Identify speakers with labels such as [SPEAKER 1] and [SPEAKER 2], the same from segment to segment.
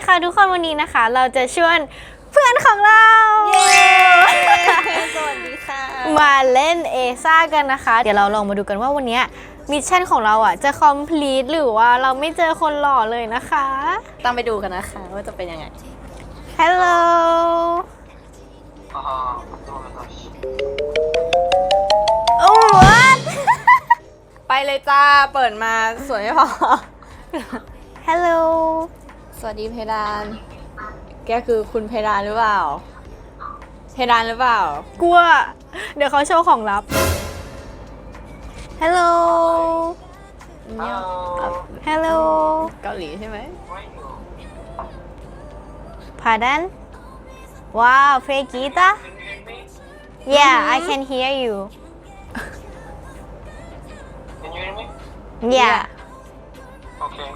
[SPEAKER 1] ค่ะทุกคนวันนี้นะคะเราจะชวนเพื่อนของเรา
[SPEAKER 2] สวัสดีค่ะ
[SPEAKER 1] มาเล่นเอซ่ากันนะคะเดี๋ยวเราลองมาดูกันว่าวันนี้มิชชั่นของเราจะคอมพลีทหรือว่าเราไม่เจอคนหล่อเลยนะคะ
[SPEAKER 2] ตามไปดูกันนะคะว่าจะเป็นยังไง
[SPEAKER 1] Hello Oh what
[SPEAKER 2] ไปเลยจ้าเปิดมาสวยไม่พอ
[SPEAKER 1] Hello
[SPEAKER 2] สวัสดีเพดานแกคือคุณเพดานหรือเปล่าเพดานหรือเปล่าก
[SPEAKER 1] ลัวเดี๋ยวเขาโชว์ของลับ Hello Hello
[SPEAKER 2] เกาหลีใช่ไหม
[SPEAKER 1] Pardon Wow play guitar Yeah I can hear you
[SPEAKER 3] Can you hear me?
[SPEAKER 1] Yeah
[SPEAKER 3] Okay.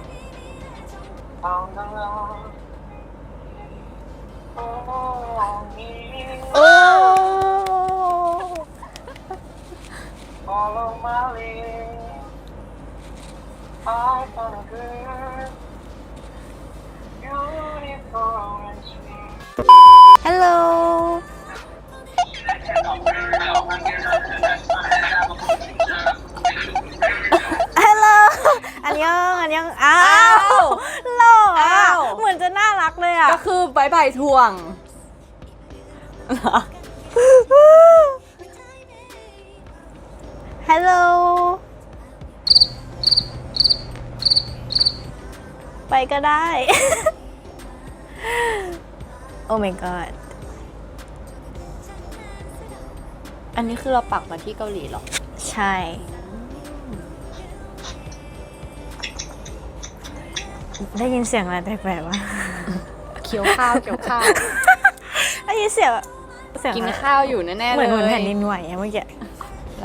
[SPEAKER 1] Oh
[SPEAKER 3] Follow my lead. I found a girl, beautiful and sweet.
[SPEAKER 1] Hello Hello อันยังอ้าวหล่อเหมือนจะน่ารักเลย
[SPEAKER 2] ก็คือบายบายทวง
[SPEAKER 1] Hello ไปก็ได้ Oh my god
[SPEAKER 2] อันนี้คือเราปักมาที่เกาหลีเหรอ
[SPEAKER 1] ใช่ ได้ยินเสียงอะไรแปลกๆวะ
[SPEAKER 2] เคี้ยวข้าวเคี้ยวข้าว
[SPEAKER 1] ได้ยินเสียง
[SPEAKER 2] กินข้าวอยู่แน่ๆเลย
[SPEAKER 1] เหมือนแผ่นดินไหวเมื่อกี้
[SPEAKER 2] แล้ว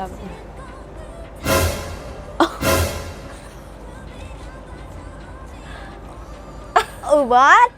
[SPEAKER 1] What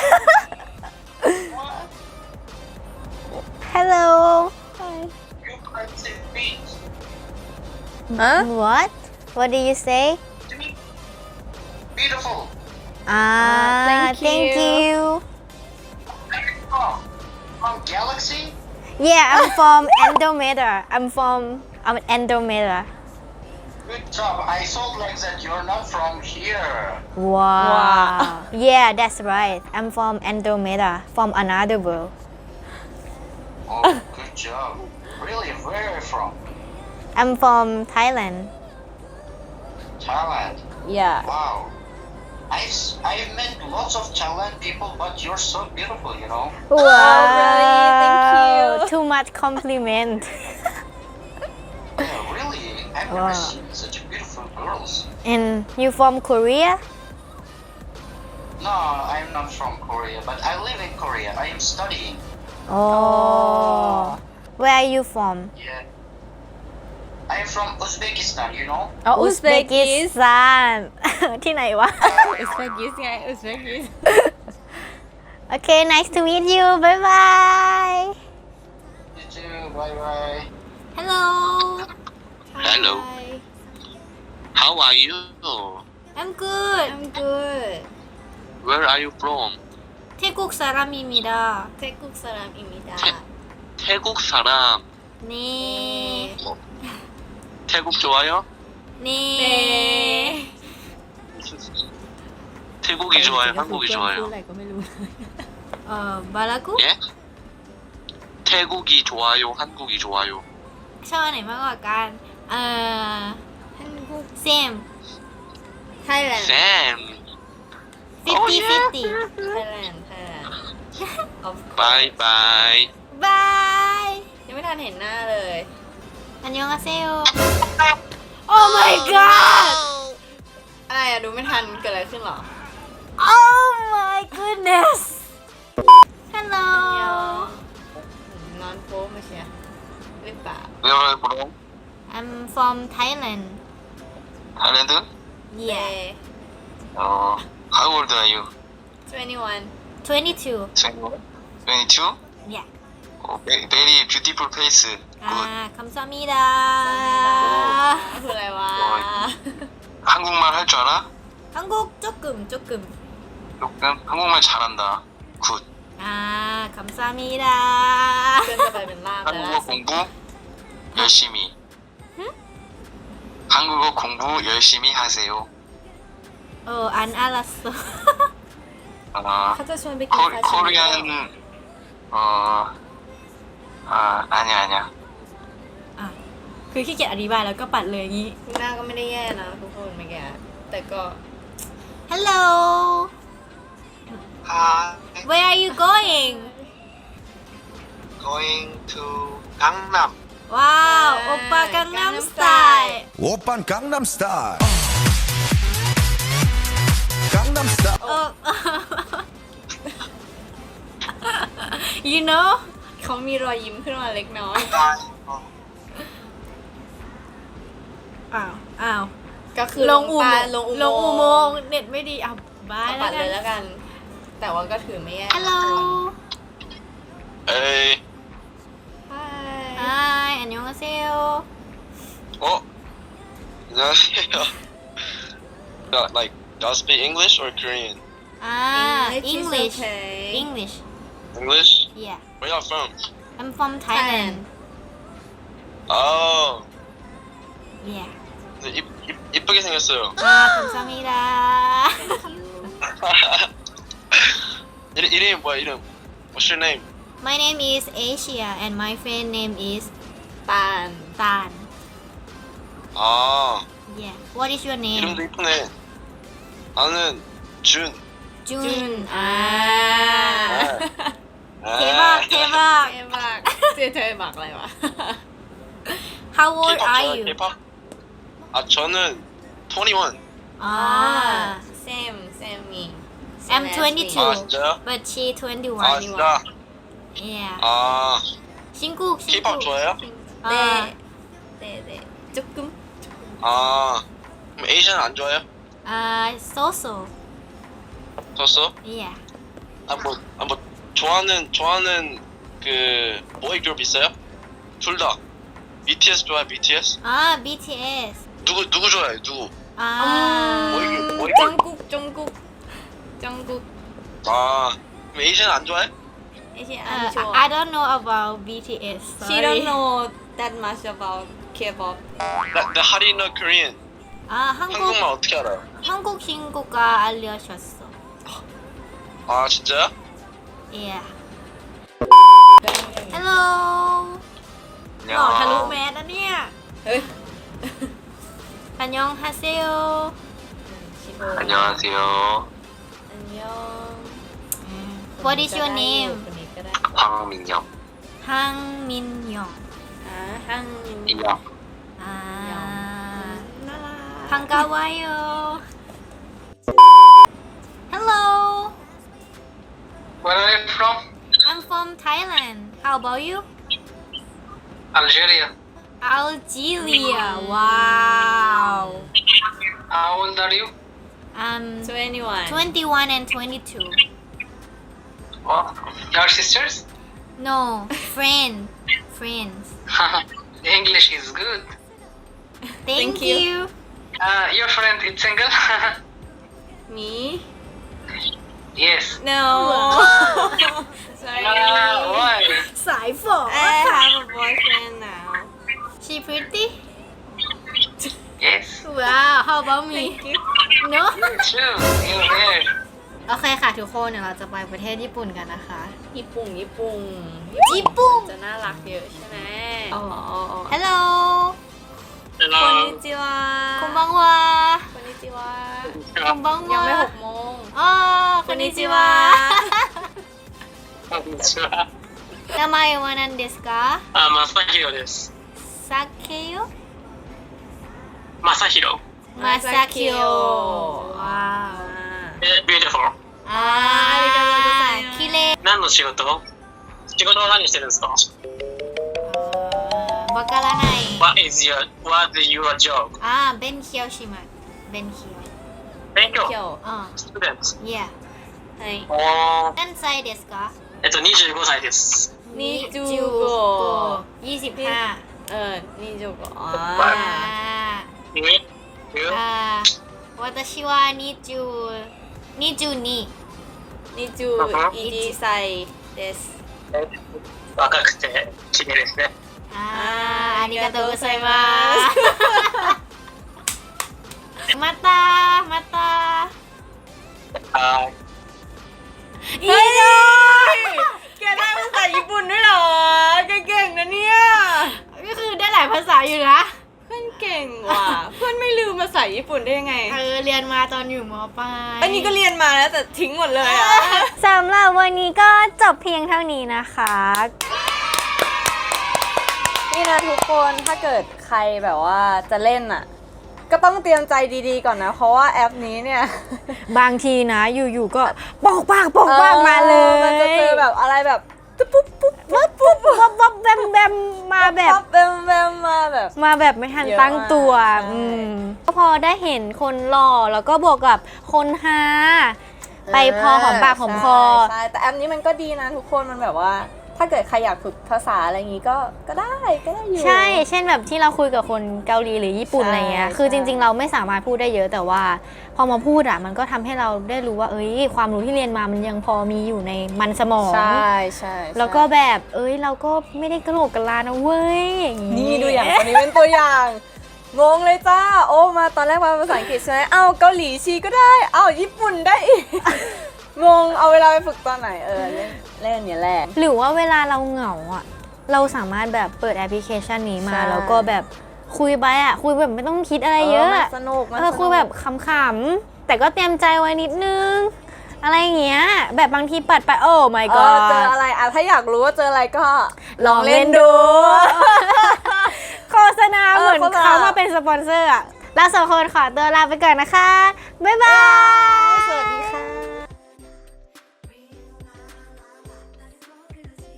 [SPEAKER 1] Hello
[SPEAKER 3] You can't say beach
[SPEAKER 2] ฮะ
[SPEAKER 1] What What did you say
[SPEAKER 3] to me. Beautiful.
[SPEAKER 1] Thank you
[SPEAKER 3] Oh, from Galaxy?
[SPEAKER 1] Yeah I'm from Andromeda I'm Andromeda
[SPEAKER 3] Good job. I thought like that you're not from here.
[SPEAKER 1] Wow Yeah that's right I'm from Andromeda from another world
[SPEAKER 3] Oh, good job. Really, where are you from?
[SPEAKER 1] I'm from Thailand
[SPEAKER 3] Thailand.
[SPEAKER 2] yeah
[SPEAKER 3] Wow. I've met lots of Thailand people, but you're so beautiful, you know.
[SPEAKER 1] Wow
[SPEAKER 2] really? Thank you.
[SPEAKER 1] Too much compliment
[SPEAKER 3] Yeah, really. I've
[SPEAKER 1] Wow.
[SPEAKER 3] never seen such beautiful girls.
[SPEAKER 1] And you from Korea
[SPEAKER 3] No, I'm not from Korea, but I live in Korea. I am studying.
[SPEAKER 1] Oh Where are you from
[SPEAKER 3] Yeah. I am from Uzbekistan, you know.
[SPEAKER 2] เอาอุซเบกิส
[SPEAKER 1] Uzbekistan ที่ไหนวะ
[SPEAKER 2] อุซเบกิสไงอุซเบกิส
[SPEAKER 1] Okay nice to meet you bye bye
[SPEAKER 3] You too. Bye bye.
[SPEAKER 1] Hello
[SPEAKER 4] Hello.
[SPEAKER 1] Hi.
[SPEAKER 4] How are you?
[SPEAKER 1] I'm good
[SPEAKER 2] I'm good
[SPEAKER 4] Where are you from?
[SPEAKER 1] 태국 사람입니다
[SPEAKER 2] 태국 사람입니다
[SPEAKER 4] 태국 사람.
[SPEAKER 1] 네
[SPEAKER 4] 태국 좋아요?
[SPEAKER 1] 네
[SPEAKER 4] 태국이 좋아요? 한국이
[SPEAKER 2] พูด
[SPEAKER 4] 좋아요?
[SPEAKER 2] อะไรก็ไม่รู้
[SPEAKER 1] 뭐라고?
[SPEAKER 4] 예? 태국이 좋아요? 한국이 좋아요?
[SPEAKER 1] ชอบอันไหนมากกว่ากัน
[SPEAKER 2] 한국
[SPEAKER 1] same Thailand
[SPEAKER 4] 쌤.
[SPEAKER 1] 50-50
[SPEAKER 2] Thailand of course
[SPEAKER 4] 바이바이.
[SPEAKER 1] bye
[SPEAKER 2] ยังไม่ทันเห็นหน้าเลย
[SPEAKER 1] 안녕하세요 Oh my god
[SPEAKER 2] อะไรอะดูไม่ทันเกิดอะไรขึ้นหรอ
[SPEAKER 1] Oh my goodness Hello
[SPEAKER 2] นอนโป๊มาเชียร์หรือเปล่า
[SPEAKER 4] Where are you from?
[SPEAKER 1] I'm from Thailand
[SPEAKER 4] Thailand?
[SPEAKER 1] Yeah
[SPEAKER 4] How old are you?
[SPEAKER 2] 21
[SPEAKER 1] 22
[SPEAKER 4] 22?
[SPEAKER 1] Yeah
[SPEAKER 4] Oh, very beautiful face. Good.
[SPEAKER 1] 감사합니다
[SPEAKER 2] คืออะไรวะ
[SPEAKER 4] 한국말 할 줄 알아?
[SPEAKER 1] 한국 조금
[SPEAKER 4] 조금 한국말 잘한다. 굿.
[SPEAKER 1] คำซามิดา
[SPEAKER 2] เพื่อนจะไปเป็นล่ามแล้ว
[SPEAKER 4] 한국어 공부 열심히. 한국어 공부 열심히 하세요.
[SPEAKER 1] อันอารัส
[SPEAKER 2] เขาจะชวนไปกินซาชิมิ
[SPEAKER 4] 코리안 아니야.
[SPEAKER 1] คือขี้เกียจอธิบายแล้วก็ปัดเลยอย่างนี้
[SPEAKER 2] หน้าก็ไม่ได้แย่นะทุกคนเมื่อกี้แต่ก็
[SPEAKER 1] Hello
[SPEAKER 5] Hi,
[SPEAKER 1] where are you going
[SPEAKER 5] going to Gangnam.
[SPEAKER 1] ว้าวโอปป้ากังนัมสไตล์
[SPEAKER 6] 오빤 강남스타일 강남스타일
[SPEAKER 1] you know
[SPEAKER 2] เขามีรอยยิ้มขึ้นมาเล็กน้อย
[SPEAKER 1] อ้าว
[SPEAKER 2] ก็คือ
[SPEAKER 1] ลงอุโมงค์
[SPEAKER 2] ล
[SPEAKER 1] ล
[SPEAKER 2] ง
[SPEAKER 1] ง
[SPEAKER 2] อุ
[SPEAKER 1] อุ
[SPEAKER 2] โม
[SPEAKER 1] โม
[SPEAKER 2] ง
[SPEAKER 1] ง
[SPEAKER 2] ค์
[SPEAKER 1] ค์เน็ตไม่ดีบาย
[SPEAKER 2] ปั
[SPEAKER 1] แล้วกัน
[SPEAKER 2] ดเลยแล้วกัน แต่ว่าก็ถือไม่แย่
[SPEAKER 1] Hello
[SPEAKER 4] 에이.
[SPEAKER 1] Hi 안녕하세요
[SPEAKER 4] 어? 안녕하세요. Like, y'all speak English or Korean?
[SPEAKER 1] English
[SPEAKER 2] okay.
[SPEAKER 1] English
[SPEAKER 4] English?
[SPEAKER 1] yeah
[SPEAKER 4] Where y'all from?
[SPEAKER 1] I'm from Thailand
[SPEAKER 4] Oh,
[SPEAKER 1] yeah
[SPEAKER 4] 근데 이쁘게 생겼어요.
[SPEAKER 1] 감사합니다
[SPEAKER 4] 이름이 뭐야, 이름? What's your name?
[SPEAKER 1] My name is Asia and my friend name is
[SPEAKER 2] ตาล
[SPEAKER 1] Tan
[SPEAKER 4] 아,
[SPEAKER 1] yeah What is your name
[SPEAKER 4] 이름도 이쁘네. 나는 준.
[SPEAKER 1] Jun
[SPEAKER 2] อ่า
[SPEAKER 1] เทบ้าเทบ้า
[SPEAKER 2] เท่มากเธอบักอะไรวะ
[SPEAKER 1] How old
[SPEAKER 4] K-pop
[SPEAKER 1] are
[SPEAKER 4] 좋아해요,
[SPEAKER 1] you
[SPEAKER 4] K-pop? 아, 저는 21.
[SPEAKER 2] same me
[SPEAKER 1] I'm
[SPEAKER 2] Same as me.
[SPEAKER 1] 22
[SPEAKER 4] 아, 진짜요?
[SPEAKER 1] but she 21
[SPEAKER 4] 아, 진짜?
[SPEAKER 1] yeah
[SPEAKER 4] 아,
[SPEAKER 1] 신국
[SPEAKER 4] K-pop 좋아해요?
[SPEAKER 2] 네 조금
[SPEAKER 4] 아, 그럼 에이션 안 좋아해요?
[SPEAKER 1] so
[SPEAKER 4] 졌어?
[SPEAKER 1] yeah
[SPEAKER 4] 뭐 좋아하는 그 보이 그룹 있어요? 둘 다. BTS 좋아해, BTS?
[SPEAKER 1] BTS
[SPEAKER 4] 누구 좋아해, 누구? 보이
[SPEAKER 2] 정국
[SPEAKER 4] 아, 그럼 에이션 안 좋아해?
[SPEAKER 2] 안 좋아
[SPEAKER 1] I don't know about BTS
[SPEAKER 2] She
[SPEAKER 1] sorry
[SPEAKER 2] don't know that much about K-pop
[SPEAKER 4] 나 하리너 Korean.
[SPEAKER 1] 한국
[SPEAKER 4] 한국말 어떻게 알아요?
[SPEAKER 1] 한국 친구가 알려줬어
[SPEAKER 4] 아, 진짜요?
[SPEAKER 1] yeah hello หล่อทะลุแมสนะเนี่ย
[SPEAKER 2] เฮ้ย
[SPEAKER 1] อันยองฮาเซโอ
[SPEAKER 4] 안녕하세요.
[SPEAKER 2] 안녕
[SPEAKER 1] What is your name
[SPEAKER 2] คนนี้ก็ได้
[SPEAKER 4] 황민영.
[SPEAKER 1] ฮังมินยอง
[SPEAKER 2] ฮัง
[SPEAKER 4] 인영.
[SPEAKER 2] น่ารัก
[SPEAKER 1] พังกาวายโอ Hello
[SPEAKER 3] Where are you from?
[SPEAKER 1] I'm from Thailand How about you
[SPEAKER 3] Algeria.
[SPEAKER 1] Algeria Wow
[SPEAKER 3] How old are you?
[SPEAKER 1] I'm
[SPEAKER 2] 21
[SPEAKER 1] 21 and 22
[SPEAKER 3] Oh, your sisters?
[SPEAKER 1] No friends
[SPEAKER 3] English is good.
[SPEAKER 1] Thank
[SPEAKER 2] Thank you.
[SPEAKER 1] you
[SPEAKER 3] Your friend is single?
[SPEAKER 2] me
[SPEAKER 3] Yes.
[SPEAKER 2] no sorry
[SPEAKER 3] Why?
[SPEAKER 1] สายฝอ
[SPEAKER 2] I have a boyfriend now
[SPEAKER 1] She pretty
[SPEAKER 3] Yes.
[SPEAKER 1] Wow How about me No
[SPEAKER 3] True. You're there.
[SPEAKER 1] โอเคค่ะทุกคนเดี๋ยวเราจะไปประเทศญี่ปุ่นกันนะคะ
[SPEAKER 2] ญี่ปุ่น
[SPEAKER 1] ญี่ปุ่น
[SPEAKER 2] จะน่ารักเยอะใช่ไหม
[SPEAKER 1] อ๋อ Hello
[SPEAKER 2] คนนิจิวะ
[SPEAKER 1] こんばんは
[SPEAKER 2] คนนิจิวะ
[SPEAKER 1] こんばんは
[SPEAKER 2] ยังไม่6 โมง
[SPEAKER 1] อ๋อこんにちは名前は何ですか
[SPEAKER 7] あ、まさひろです。
[SPEAKER 1] サケヨ
[SPEAKER 7] まさひろ。
[SPEAKER 1] まさきよわ
[SPEAKER 7] beautiful。
[SPEAKER 1] ーきれい
[SPEAKER 7] 何の仕事仕事は何してるんですか
[SPEAKER 1] わからない
[SPEAKER 7] What is your job?
[SPEAKER 1] 勉強します勉強
[SPEAKER 7] 勉強。
[SPEAKER 2] เกี่ยว
[SPEAKER 7] Student。
[SPEAKER 1] Yeah
[SPEAKER 2] はい
[SPEAKER 7] おー。
[SPEAKER 1] 何歳ですか
[SPEAKER 7] 25歳です。
[SPEAKER 2] นิจูโก
[SPEAKER 1] 25
[SPEAKER 2] นิจูโกอ๋อ
[SPEAKER 7] え
[SPEAKER 1] 私は22
[SPEAKER 2] นิจูอีจีไซเดส
[SPEAKER 7] 若くて綺麗ですね。
[SPEAKER 1] ありがとうございますまたまた
[SPEAKER 7] はい。
[SPEAKER 1] いいよ
[SPEAKER 2] แกได้ภาษาญี่ปุ่นด้วยเหรอแกเก่งนะเนี่ย
[SPEAKER 1] ก็คือได้หลายภาษาอยู่นะ
[SPEAKER 2] เพื่อนเก่งว่ะ เพื่อนไม่ลืมภาษาญี่ปุ่นได้ยังไง
[SPEAKER 1] เรียนมาตอนอยู่ม.ปลาย
[SPEAKER 2] อันนี้ก็เรียนมาแล้วแต่ทิ้งหมดเลยอะ
[SPEAKER 1] สำหรับวันนี้ก็จบเพียงเท่านี้นะคะ
[SPEAKER 2] นี่นะทุกคนถ้าเกิดใครแบบว่าจะเล่นอ่ะ ก็ต้องเตรียมใจดีๆก่อนนะ เพราะว่าแอปนี้เนี่ย
[SPEAKER 1] บางทีนะอยู่ๆก็ปอกปากมาเลย
[SPEAKER 2] มันจะเจอแบบอะไรแบบปุ๊บปุ๊บปุ๊บปุ๊บ
[SPEAKER 1] วับแบมมาแบบ
[SPEAKER 2] แบมแบมมาแบบ
[SPEAKER 1] มาแบบไม่ทัน
[SPEAKER 2] เยอะ
[SPEAKER 1] ตั้งตัว
[SPEAKER 2] มากใช่
[SPEAKER 1] ก็พอได้เห็นคนหล่อแล้วก็บวกกับคนฮาไปพอหอมปากหอมคอ
[SPEAKER 2] ใช่แต่แอปนี้มันก็ดีนะทุกคนมันแบบว่า ถ้าเกิดใครอยากฝึกภาษาอะไรอย่างงี้ก็ได้อยู่
[SPEAKER 1] ใช่ เช่นแบบที่เราคุยกับคนเกาหลีหรือญี่ปุ่น
[SPEAKER 2] ใช่
[SPEAKER 1] อะไรเงี้ย คือ
[SPEAKER 2] ใช่
[SPEAKER 1] จริงๆ เราไม่สามารถพูดได้เยอะแต่ว่า พอมาพูดอ่ะมันก็ทำให้เราได้รู้ว่า ความรู้ที่เรียนมามันยังพอมีอยู่ในมันสมอง
[SPEAKER 2] ใช่ใช่
[SPEAKER 1] แล้วก็แบบเราก็ไม่ได้กระโหลกกะลานะเว้ยอย่างงี้
[SPEAKER 2] นี่ดูอย่างคนนี้เป็นตัวอย่าง งงเลยจ้า โอ้มาตอนแรกมาภาษาอังกฤษใช่ไหมเอาเกาหลีชีก็ได้ เอาญี่ปุ่นได้อีก งงเอาเวลาไปฝึกตอนไหนเล่นเนี่ยแหละ
[SPEAKER 1] หรือว่าเวลาเราเหงาอ่ะ เราสามารถแบบเปิดแอปพลิเคชันนี้มา
[SPEAKER 2] ใช่
[SPEAKER 1] แล้วก็แบบคุยไปอ่ะ คุยแบบไม่ต้องคิดอะไรเยอะ
[SPEAKER 2] มันสนุกมันสนุก
[SPEAKER 1] คุยแบบขำๆแต่ก็เตรียมใจไว้นิดนึง อะไรอย่างเงี้ย แบบบางทีปัดไปโอ้ my
[SPEAKER 2] เจ
[SPEAKER 1] god
[SPEAKER 2] ออะไรอ่ะถ้าอยากรู้ว่าเจออะไรก็
[SPEAKER 1] ลองเล่นดู โฆษณาเหมือน
[SPEAKER 2] โฆษณา
[SPEAKER 1] เขามาเป็นสปอนเซอร์อ่ะเราสองคนขอตัวลาไปก่อนนะคะ บ๊ายบาย
[SPEAKER 2] สวัสดี